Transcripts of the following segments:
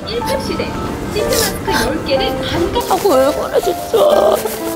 1급 시대 시트마스크 10개를 반값 하고 왜 그래 진짜.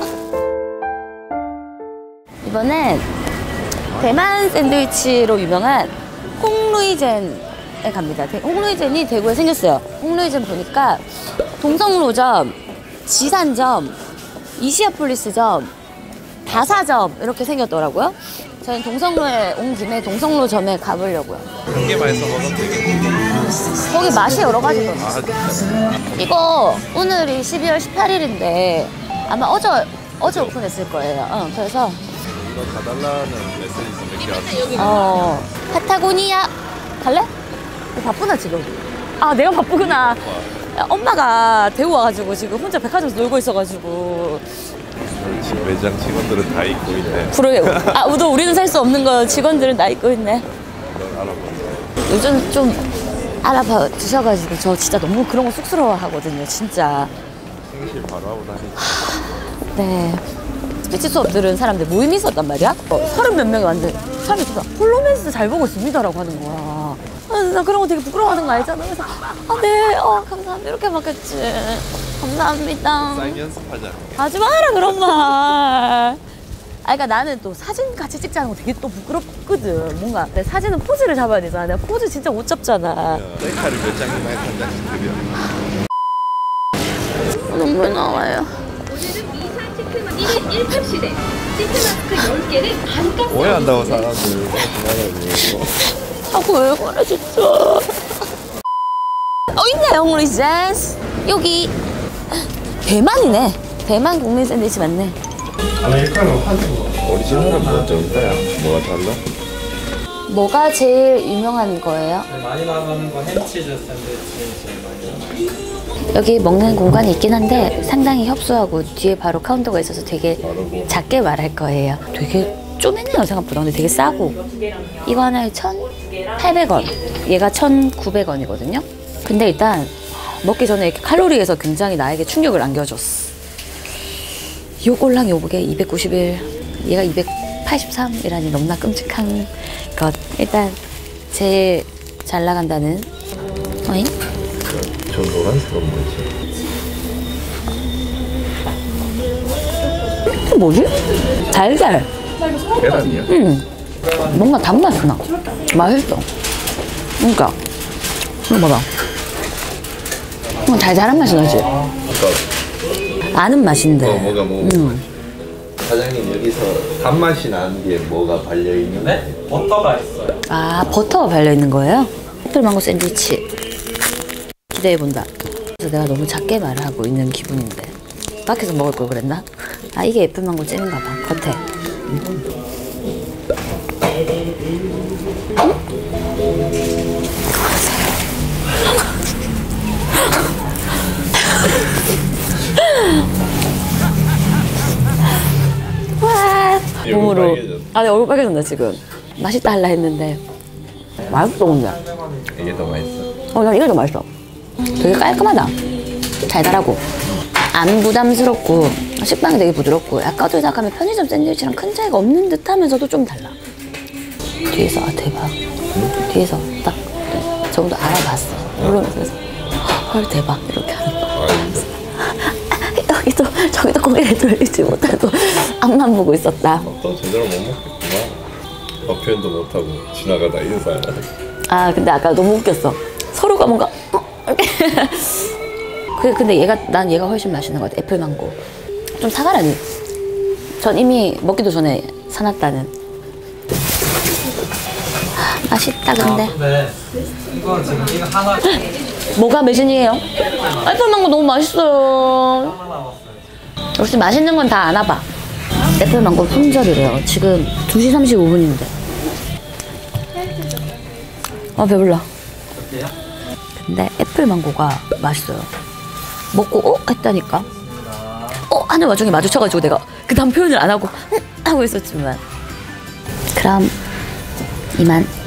이번엔 대만 샌드위치로 유명한 홍루이젠에 갑니다. 홍루이젠이 대구에 생겼어요. 홍루이젠 보니까 동성로점, 지산점, 이시아폴리스점, 다사점 이렇게 생겼더라고요. 저는 동성로에 온 김에 동성로점에 가보려고요. 한 개만 해서 먹으면 되겠네. 거기 맛이 여러 가지더라고요. 이거 오늘이 12월 18일인데 아마 어제 오픈했을 거예요. 그래서 이거 가달라는 메시지 몇 개 왔어. 파타고니아 갈래? 바쁘나 지금? 아 내가 바쁘구나. 엄마가 대구 와가지고 지금 혼자 백화점에서 놀고 있어가지고. 지금 매장 직원들은 다 입고 있네. 그러게. 아 우리는 살 수 없는 거 직원들은 다 입고 있네. 넌 알아보자. 요즘 좀 알아봐 주셔가지고 저 진짜 너무 그런 거 쑥스러워 하거든요 진짜. 생실 바로 하고 다니까. 네. 스피치 수업 들은 사람들 모임이 있었단 말이야. 30몇 명이 왔는데 사람이 진짜 폴로맨스 잘 보고 있습니다라고 하는 거야. 나 그런 거 되게 부끄러워하는 거 알잖아. 그래서 네, 감사합니다 이렇게 받겠지. 감사합니다. 사인 연습하자. 하지 마라 그런 말. 그러니까 나는 또 사진 같이 찍자는 거 되게 또 부끄럽거든. 뭔가 내 사진은 포즈를 잡아야 되잖아. 내가 포즈 진짜 못 잡잖아. 셀카를 몇 장이나 해서 한 장씩 드려. 눈물 나와요. 오늘은 미산 1급 시대 시트마스크 10개를 반값 오해한다고 사람들. 하고 왜 그래 진짜. 있네 홍루이젠. 여기 대만이네. 대만 국민 샌드위치 맞네. 오리지널은 뭐 정도야? 뭐가 달라? 뭐가 제일 유명한 거예요? 많이 나가는 거 햄치즈 샌드위치 제일 많이 나가요. 여기 먹는 공간이 있긴 한데 상당히 협소하고 뒤에 바로 카운터가 있어서 되게 작게 말할 거예요. 되게 쪼매네요 생각보다. 근데 되게 싸고 이거 하나에 1,800원 얘가 1,900원이거든요 근데 일단 먹기 전에 이렇게 칼로리에서 굉장히 나에게 충격을 안겨줬어. 요 꼴랑 요게 291 얘가 283이라니 너무나 끔찍한 것. 일단 제일 잘 나간다는 어잉? 저 노란색은 뭐지? 뭐지? 달달. 계란이야? 뭔가 단맛이 나. 맛있어. 그러니까 이거 봐봐. 달달한 맛이 나지? 아까 아는 맛인데. 뭐가 사장님 여기서 단맛이 나는 게 뭐가 발려있는 거예요? 네? 버터가 있어요. 아 버터가 발려있는 거예요? 애플망고 샌드위치 기대해본다. 그래서 내가 너무 작게 말하고 있는 기분인데 밖에서 먹을 걸 그랬나? 아 이게 애플망고 잼인가 봐 겉에. 와 몸으로. 내 얼굴 빨개졌나 지금. 맛있다 할라 했는데 맛있어 근데. 이게 더 맛있어? 난 이게 더 맛있어. 되게 깔끔하다. 달달하고 안 부담스럽고 식빵이 되게 부드럽고 약간 어떻게 생각하면 편의점 샌드위치랑 큰 차이가 없는 듯 하면서도 좀 달라. 뒤에서 대박. 뒤에서 딱 정도 알아봤어. 그러면서 헐 대박 이렇게 하는 거. 저기도 고개를 돌리지 못하고 앞만 보고 있었다. 또 제대로 못 먹겠구나. 표현도 못하고 지나가다 인사하네. 근데 아까 너무 웃겼어. 서로가 뭔가 근데 난 얘가 훨씬 맛있는 것 같아. 애플망고. 좀 사가라니. 전 이미 먹기도 전에 사놨다는. 맛있다 근데. 근데 이거 지금 이거 하나 뭐가 매진이에요? 애플망고 너무 맛있어요. 남았어요. 역시 맛있는 건 다 아나봐. 애플망고 품절이래요. 지금 2시 35분인데. 배불러. 어때요? 근데 애플망고가 맛있어요. 먹고 했다니까. 하는 와중에 마주쳐가지고 내가 그 다음 표현을 안 하고 하고 있었지만. 그럼 이만.